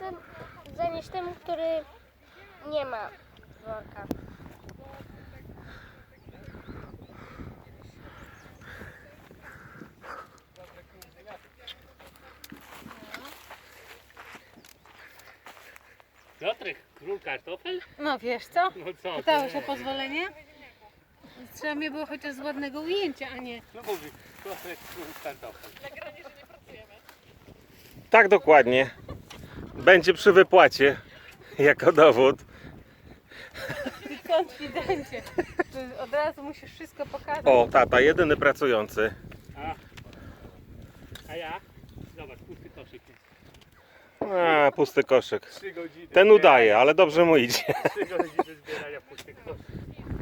zanieść temu, który nie ma worka. Piotrek, król kartofel? No wiesz co? No co? Pytałeś o pozwolenie? Trzeba mnie było chociaż z ładnego ujęcia, a nie... No mówi, Piotrek, król kartofel. Tak dokładnie. Będzie przy wypłacie jako dowód. Ty konfidencie. Że od razu musisz wszystko pokazać. O, tata, jedyny pracujący. A ja? Zobacz, pusty koszyk jest. A, pusty koszyk. 3 godziny. Ten udaje, ale dobrze mu idzie. 3 godziny zbierania pustych koszyk.